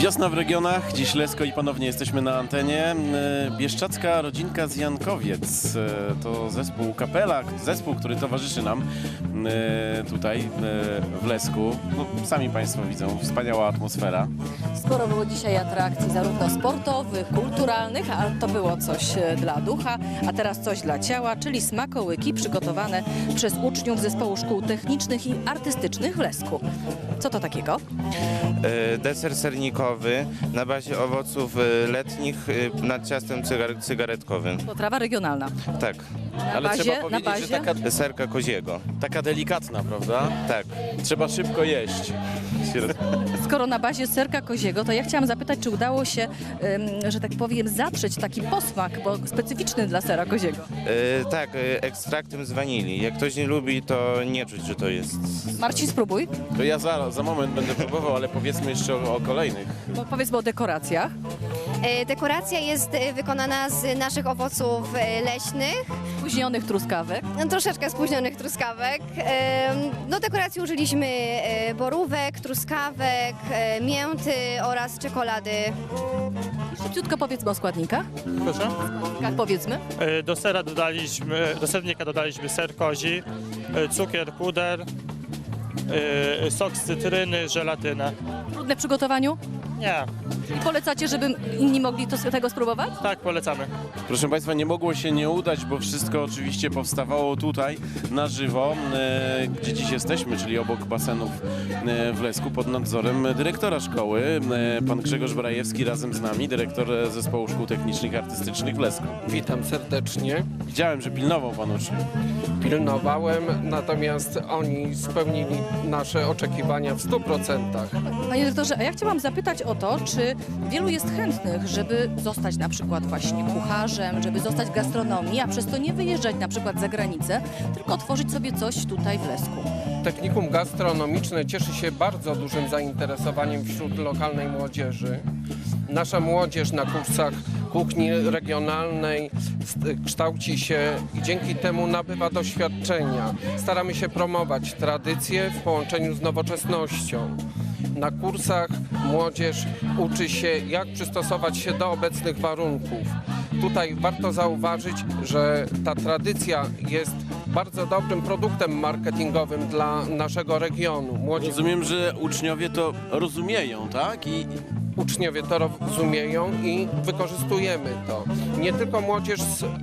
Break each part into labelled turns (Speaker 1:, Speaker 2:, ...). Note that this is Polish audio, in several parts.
Speaker 1: Wiosna w regionach, dziś Lesko i ponownie jesteśmy na antenie. Bieszczacka rodzinka z Jankowiec to zespół Kapela, zespół, który towarzyszy nam tutaj w Lesku. No, sami Państwo widzą, wspaniała atmosfera.
Speaker 2: Sporo było dzisiaj atrakcji, zarówno sportowych, kulturalnych, a to było coś dla ducha, a teraz coś dla ciała, czyli smakołyki przygotowane przez uczniów Zespołu Szkół Technicznych i Artystycznych w Lesku. Co to takiego?
Speaker 3: Deser sernikowy na bazie owoców letnich nad ciastem cygaretkowym.
Speaker 2: Potrawa regionalna.
Speaker 3: Tak.
Speaker 1: Ale trzeba
Speaker 2: na
Speaker 1: powiedzieć,
Speaker 2: bazie?
Speaker 1: że taka,
Speaker 3: Serka koziego.
Speaker 1: taka delikatna, prawda?
Speaker 3: Tak.
Speaker 1: Trzeba szybko jeść.
Speaker 2: Skoro na bazie serka koziego, to ja chciałam zapytać, czy udało się, że tak powiem, zatrzeć taki posmak, bo specyficzny dla sera koziego.
Speaker 3: Tak, ekstraktem z wanilii. Jak ktoś nie lubi, to nie czuć, że to jest...
Speaker 2: Marcin, spróbuj.
Speaker 1: To ja za moment będę próbował, ale powiedzmy jeszcze o kolejnych.
Speaker 2: Bo powiedzmy o dekoracjach.
Speaker 4: Dekoracja jest wykonana z naszych owoców leśnych,
Speaker 2: Spóźnionych truskawek.
Speaker 4: troszeczkę spóźnionych truskawek. Do dekoracji użyliśmy borówek, truskawek, mięty oraz czekolady.
Speaker 2: Szybciutko powiedzmy o składnikach.
Speaker 5: Proszę?
Speaker 2: Jak powiedzmy.
Speaker 5: Do sernika dodaliśmy ser kozi, cukier, puder, sok z cytryny, żelatynę.
Speaker 2: Trudne w przygotowaniu.
Speaker 5: Nie,
Speaker 2: I polecacie, żeby inni mogli tego spróbować?
Speaker 5: tak polecamy.
Speaker 1: Proszę Państwa, nie mogło się nie udać, bo wszystko oczywiście powstawało tutaj na żywo, gdzie dziś jesteśmy, czyli obok basenów w Lesku, pod nadzorem dyrektora szkoły, pan Grzegorz Brajewski razem z nami, dyrektor Zespołu Szkół Technicznych i Artystycznych w Lesku.
Speaker 6: Witam serdecznie.
Speaker 1: Widziałem, że pilnował pan uczniów.
Speaker 6: Pilnowałem, natomiast oni spełnili nasze oczekiwania w 100%.
Speaker 2: Panie dyrektorze, a ja chciałam zapytać o to, czy wielu jest chętnych, żeby zostać na przykład właśnie kucharzem, żeby zostać w gastronomii, a przez to nie wyjeżdżać na przykład za granicę, tylko otworzyć sobie coś tutaj w Lesku.
Speaker 6: Technikum gastronomiczne cieszy się bardzo dużym zainteresowaniem wśród lokalnej młodzieży. Nasza młodzież na kursach kuchni regionalnej kształci się i dzięki temu nabywa doświadczenia. Staramy się promować tradycje w połączeniu z nowoczesnością. Na kursach młodzież uczy się, jak przystosować się do obecnych warunków. Tutaj warto zauważyć, że ta tradycja jest bardzo dobrym produktem marketingowym dla naszego regionu.
Speaker 1: Rozumiem, że uczniowie to rozumieją, tak? I
Speaker 6: Uczniowie to rozumieją i wykorzystujemy to. Nie tylko młodzież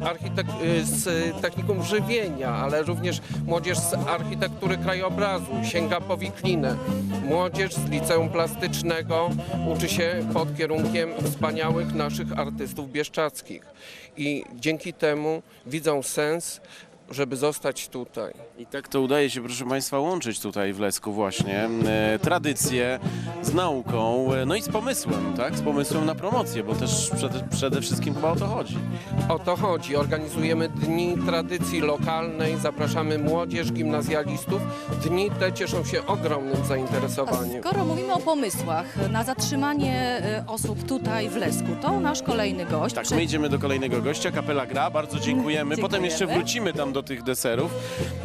Speaker 6: z technikum żywienia, ale również młodzież z architektury krajobrazu sięga po wiklinę. Młodzież z liceum plastycznego uczy się pod kierunkiem wspaniałych naszych artystów bieszczadzkich. I dzięki temu widzą sens, żeby zostać tutaj.
Speaker 1: I tak to udaje się, proszę Państwa, łączyć tutaj w Lesku właśnie tradycję z nauką, no i z pomysłem, tak? Z pomysłem na promocję, bo też przede wszystkim chyba o to chodzi.
Speaker 6: O to chodzi. Organizujemy dni tradycji lokalnej, zapraszamy młodzież, gimnazjalistów. Dni te cieszą się ogromnym zainteresowaniem.
Speaker 2: Skoro mówimy o pomysłach na zatrzymanie osób tutaj w Lesku, to nasz kolejny gość.
Speaker 1: Tak, my idziemy do kolejnego gościa, Kapela gra, bardzo dziękujemy. Potem jeszcze
Speaker 2: Dziękujemy.
Speaker 1: wrócimy tam do tych deserów.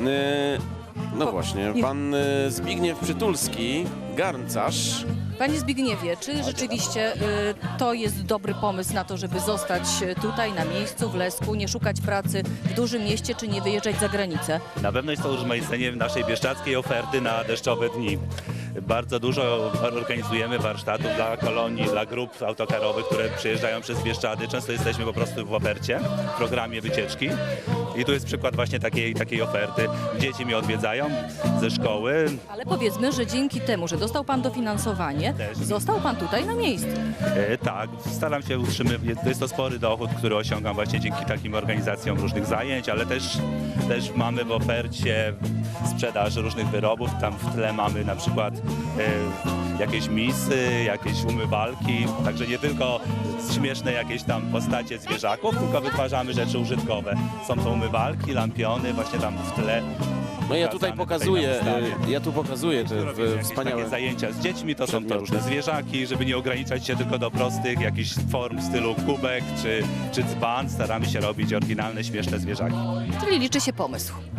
Speaker 1: No właśnie, pan Zbigniew Przytulski, garncarz.
Speaker 2: Panie Zbigniewie, czy rzeczywiście to jest dobry pomysł na to, żeby zostać tutaj na miejscu w Lesku, nie szukać pracy w dużym mieście, czy nie wyjeżdżać za granicę?
Speaker 7: Na pewno jest to urozmaicenie naszej bieszczackiej oferty na deszczowe dni. Bardzo dużo organizujemy warsztatów dla kolonii, dla grup autokarowych, które przyjeżdżają przez Bieszczady. Często jesteśmy po prostu w ofercie, w programie wycieczki. I tu jest przykład właśnie takiej oferty. Dzieci mnie odwiedzają ze szkoły.
Speaker 2: Ale powiedzmy, że dzięki temu, że dostał Pan dofinansowanie,
Speaker 7: Też.
Speaker 2: został Pan tutaj na miejscu.
Speaker 7: Tak, staram się utrzymywać. To jest to spory dochód, który osiągam właśnie dzięki takim organizacjom różnych zajęć, ale też mamy w ofercie sprzedaż różnych wyrobów. Tam w tle mamy na przykład jakieś misy, jakieś umywalki, także nie tylko śmieszne jakieś tam postacie zwierzaków, tylko wytwarzamy rzeczy użytkowe. Są to umywalki, lampiony, właśnie tam w tle.
Speaker 1: No ja tutaj pokazuję, te
Speaker 7: Jakieś
Speaker 1: wspaniałe...
Speaker 7: takie zajęcia z dziećmi, to są to
Speaker 1: przedmioty.
Speaker 7: różne zwierzaki, żeby nie ograniczać się tylko do prostych jakichś form w stylu kubek czy dzban. Staramy się robić oryginalne, śmieszne zwierzaki.
Speaker 2: Czyli liczy się pomysł.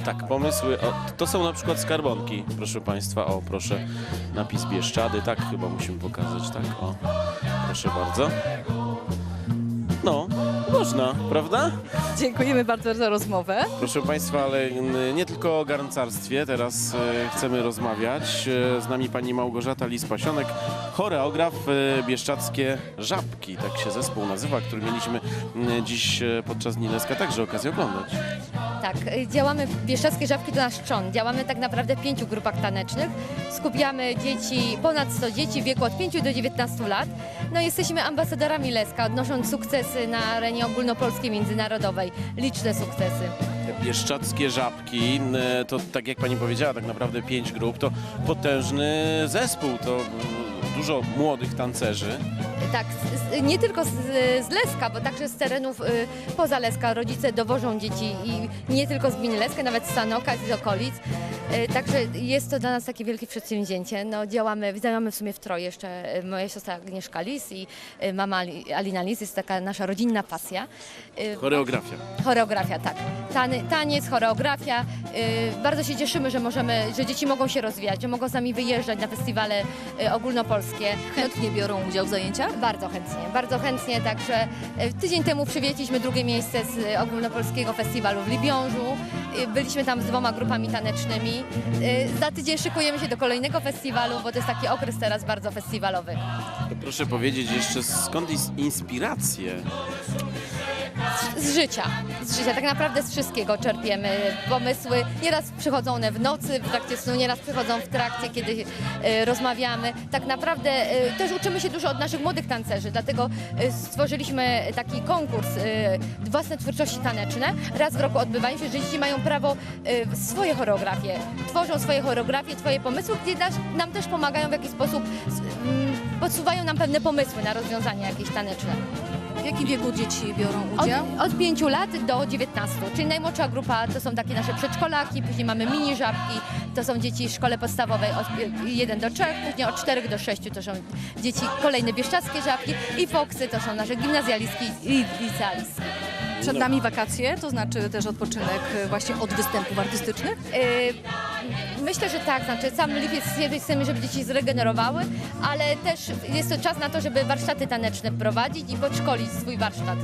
Speaker 1: Tak, pomysły. O, to są na przykład skarbonki, proszę Państwa. O, proszę, napis Bieszczady. Tak, chyba musimy pokazać. Tak, o, proszę bardzo. No, można, prawda?
Speaker 2: Dziękujemy bardzo za rozmowę.
Speaker 1: Proszę Państwa, ale nie tylko o garncarstwie teraz chcemy rozmawiać. Z nami pani Małgorzata Lis-Pasionek, choreograf Bieszczadzkie Żabki. Tak się zespół nazywa, który mieliśmy dziś podczas Dni Leska także okazję oglądać.
Speaker 8: Tak, działamy Bieszczadzkie Żabki to nasz trzon. Działamy tak naprawdę w 5 grupach tanecznych. Skupiamy dzieci, ponad 100 dzieci w wieku od 5 do 19 lat. No jesteśmy ambasadorami Leska, odnosząc sukcesy na arenie ogólnopolskiej, międzynarodowej. Liczne sukcesy.
Speaker 1: Bieszczadzkie Żabki, to tak jak pani powiedziała, tak naprawdę 5 grup, to potężny zespół, to dużo młodych tancerzy.
Speaker 8: Tak, nie tylko z Leska, bo także z terenów poza Leska rodzice dowożą dzieci i nie tylko z gminy Leska, nawet z Sanoka i z okolic. Także jest to dla nas takie wielkie przedsięwzięcie. No, działamy w sumie w troje, jeszcze moja siostra Agnieszka Lis i mama Alina Lis, jest taka nasza rodzinna pasja.
Speaker 1: Choreografia.
Speaker 8: Choreografia, tak. Taniec, choreografia. Bardzo się cieszymy, że dzieci mogą się rozwijać, że mogą z nami wyjeżdżać na festiwale ogólnopolskie.
Speaker 2: Chętnie biorą udział w zajęciach?
Speaker 8: Bardzo chętnie, także tydzień temu przywieźliśmy drugie miejsce z ogólnopolskiego festiwalu w Libiążu. Byliśmy tam z 2 grupami tanecznymi. Za tydzień szykujemy się do kolejnego festiwalu, bo to jest taki okres teraz bardzo festiwalowy.
Speaker 1: To proszę powiedzieć jeszcze, skąd inspiracje?
Speaker 8: Z życia, tak naprawdę z wszystkiego czerpiemy pomysły. Nieraz przychodzą one w nocy, w trakcie snu, nieraz przychodzą w trakcie, kiedy rozmawiamy. Tak naprawdę też uczymy się dużo od naszych młodych tancerzy, dlatego stworzyliśmy taki konkurs własne twórczości taneczne. Raz w roku odbywają się, że dzieci mają prawo swoje choreografie, tworzą swoje choreografie, swoje pomysły, gdzie nam też pomagają w jakiś sposób, podsuwają nam pewne pomysły na rozwiązania jakieś taneczne.
Speaker 2: W jakim wieku dzieci biorą udział?
Speaker 8: Od 5 lat do 19, czyli najmłodsza grupa to są takie nasze przedszkolaki, później mamy mini żabki, to są dzieci w szkole podstawowej od 1 do 3, później od 4 do 6 to są dzieci kolejne bieszczadzkie żabki i foksy to są nasze gimnazjalistki i licealistki.
Speaker 2: Przed nami wakacje, to znaczy też odpoczynek właśnie od występów artystycznych?
Speaker 8: Myślę, że tak, znaczy sam lipiec chcemy, żeby dzieci zregenerowały, ale też jest to czas na to, żeby warsztaty taneczne prowadzić i podszkolić swój warsztat.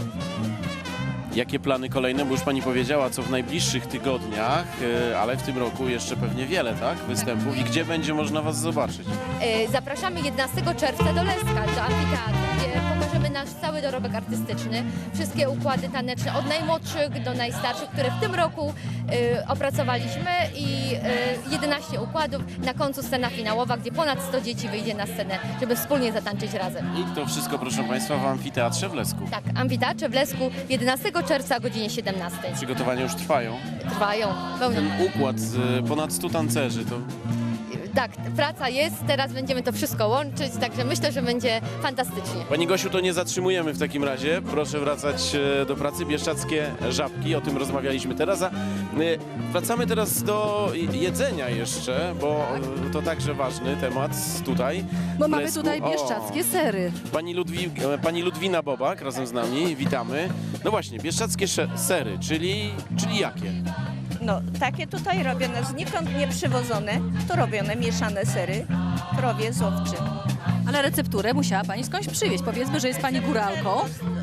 Speaker 1: Jakie plany kolejne? Bo już pani powiedziała, co w najbliższych tygodniach, ale w tym roku jeszcze pewnie wiele, tak? Występów. I gdzie będzie można was zobaczyć?
Speaker 8: Zapraszamy 11 czerwca do Leska, do amfiteatru, gdzie pokażemy nasz cały dorobek artystyczny, wszystkie układy taneczne, od najmłodszych do najstarszych, które w tym roku opracowaliśmy i 11 układów. Na końcu scena finałowa, gdzie ponad 100 dzieci wyjdzie na scenę, żeby wspólnie zatańczyć razem.
Speaker 1: I to wszystko, proszę państwa, w amfiteatrze w Lesku.
Speaker 8: Tak, amfiteatrze w Lesku 11 czerwca o godzinie 17.
Speaker 1: Przygotowania już trwają.
Speaker 8: Trwają.
Speaker 1: Ten układ z ponad 100 tancerzy, to
Speaker 8: Tak, praca jest, teraz będziemy to wszystko łączyć, także myślę, że będzie fantastycznie.
Speaker 1: Pani Gosiu, to nie zatrzymujemy w takim razie. Proszę wracać do pracy. Bieszczadzkie Żabki, o tym rozmawialiśmy teraz. A wracamy teraz do jedzenia jeszcze, bo to także ważny temat tutaj.
Speaker 2: Bo
Speaker 1: w
Speaker 2: mamy
Speaker 1: Lesku.
Speaker 2: tutaj bieszczadzkie sery.
Speaker 1: Pani Ludwina Bobak razem z nami, witamy. No właśnie, bieszczadzkie sery, czyli jakie?
Speaker 9: No, takie tutaj robione, znikąd nie przywożone, tu robione mieszane sery, krowie z owczym.
Speaker 2: Ale recepturę musiała pani skądś przywieźć. Powiedzmy, że jest pani góralką.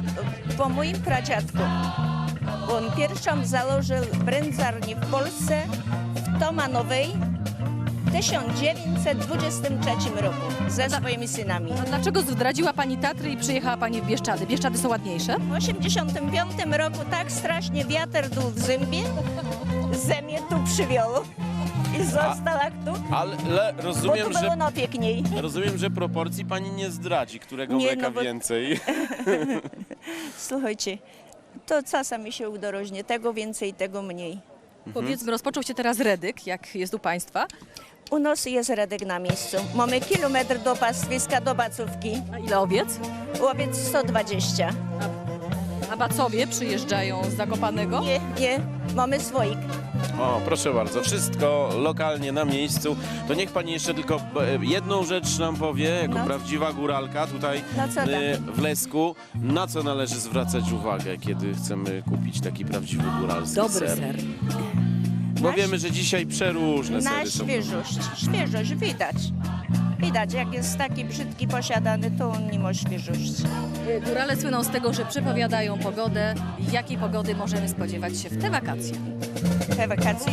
Speaker 9: Po moim pradziadku. On pierwszą założył brędzarnię w Polsce, w Tomanowej, w 1923 roku ze swoimi synami.
Speaker 2: A dlaczego zdradziła pani Tatry i przyjechała pani w Bieszczady? Bieszczady są ładniejsze?
Speaker 9: W 1985 roku tak strasznie wiatr dał w zębie, ze mnie tu przywiózł i została tu,
Speaker 1: Ale
Speaker 9: bo
Speaker 1: rozumiem,
Speaker 9: tu było no piękniej.
Speaker 1: że proporcji pani nie zdradzi, którego
Speaker 9: Nie,
Speaker 1: mleka
Speaker 9: no bo-
Speaker 1: więcej.
Speaker 9: Słuchajcie, to czasami się udorożnie, tego więcej, tego mniej.
Speaker 2: Powiedzmy, rozpoczął się teraz redyk, jak jest u państwa.
Speaker 9: U nas jest redek na miejscu. Mamy kilometr do pastwiska, do bacówki.
Speaker 2: A ile owiec?
Speaker 9: Łowiec 120.
Speaker 2: A bacowie przyjeżdżają z Zakopanego?
Speaker 9: Nie, mamy swoich.
Speaker 1: O, proszę bardzo, wszystko lokalnie na miejscu. To niech pani jeszcze tylko jedną rzecz nam powie, jako
Speaker 9: No.
Speaker 1: prawdziwa góralka tutaj
Speaker 9: Na co tam?
Speaker 1: w Lesku. Na co należy zwracać uwagę, kiedy chcemy kupić taki prawdziwy góralski
Speaker 2: Dobry
Speaker 1: ser?
Speaker 2: ser.
Speaker 1: Bo wiemy, że dzisiaj przeróżne
Speaker 9: Na
Speaker 1: sery są.
Speaker 9: świeżość widać. Widać, jak jest taki brzydki posiadany, to on nie ma świeżości.
Speaker 2: Górale słyną z tego, że przepowiadają pogodę. Jakiej pogody możemy spodziewać się w te wakacje?
Speaker 9: Te wakacje.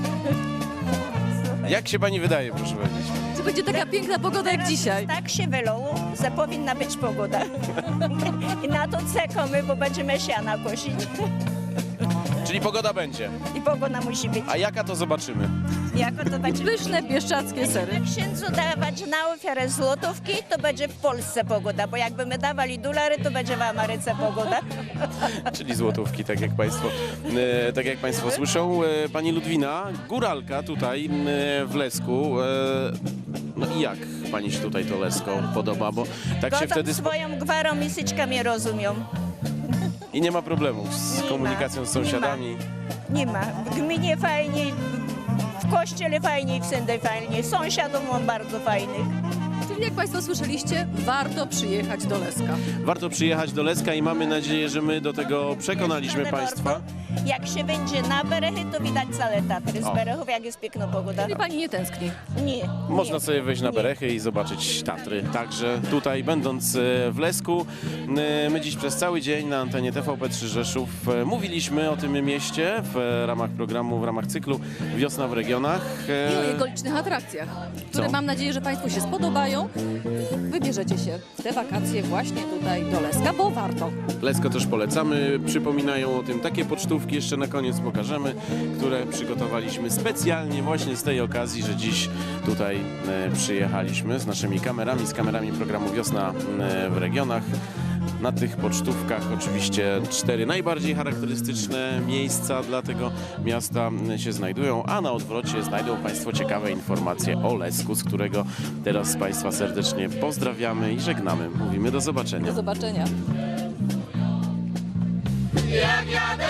Speaker 1: Jak się pani wydaje, proszę powiedzieć?
Speaker 2: Czy będzie taka piękna pogoda jak dzisiaj?
Speaker 9: Tak się wylało, że powinna być pogoda. I na to czekamy, bo będziemy siana kosić.
Speaker 1: Czyli pogoda będzie.
Speaker 9: I pogoda musi być.
Speaker 1: A jaka to zobaczymy?
Speaker 9: Jako to będzie...
Speaker 2: Pyszne bieszczackie sery.
Speaker 9: Jak księdzu dawać na ofiarę złotówki, to będzie w Polsce pogoda, bo jakby my dawali dolary, to będzie w Ameryce pogoda.
Speaker 1: Czyli złotówki, tak jak państwo słyszą. Pani Ludwina, góralka tutaj w Lesku. No i jak pani się tutaj to Lesko podoba? Bo tak się
Speaker 9: Godą
Speaker 1: wtedy...
Speaker 9: swoją gwarą i syczkami rozumią.
Speaker 1: I nie ma problemów z
Speaker 9: Nie
Speaker 1: komunikacją
Speaker 9: ma,
Speaker 1: z sąsiadami.
Speaker 9: Nie ma. W gminie fajniej, w kościele fajniej, wszędzie fajniej. Sąsiadów mam bardzo fajnych.
Speaker 2: Czyli jak Państwo słyszeliście, warto przyjechać do Leska.
Speaker 1: Warto przyjechać do Leska i mamy nadzieję, że my do tego przekonaliśmy
Speaker 9: Ale
Speaker 1: państwa.
Speaker 9: warto. Jak się będzie na Berechy, to widać całe Tatry z
Speaker 1: O.
Speaker 9: Berechów, jak jest piękna pogoda.
Speaker 2: I Pani nie tęskni.
Speaker 9: Nie.
Speaker 1: Można
Speaker 9: nie.
Speaker 1: sobie wejść na
Speaker 9: Nie.
Speaker 1: Berechy i zobaczyć Tatry. Także tutaj, będąc w Lesku, my dziś przez cały dzień na antenie TVP3 Rzeszów mówiliśmy o tym mieście w ramach programu, w ramach cyklu Wiosna w regionach.
Speaker 2: I o jego licznych atrakcjach, które
Speaker 1: Co?
Speaker 2: mam nadzieję, że Państwu się spodobają. I wybierzecie się w te wakacje właśnie tutaj do Leska, bo warto.
Speaker 1: Lesko też polecamy. Przypominają o tym takie pocztówki, jeszcze na koniec pokażemy, które przygotowaliśmy specjalnie właśnie z tej okazji, że dziś tutaj przyjechaliśmy z naszymi kamerami, z kamerami programu Wiosna w regionach. Na tych pocztówkach oczywiście 4 najbardziej charakterystyczne miejsca dla tego miasta się znajdują, a na odwrocie znajdą Państwo ciekawe informacje o Lesku, z którego teraz Państwa serdecznie pozdrawiamy i żegnamy. Mówimy do zobaczenia.
Speaker 2: Do zobaczenia.
Speaker 10: Jak jadę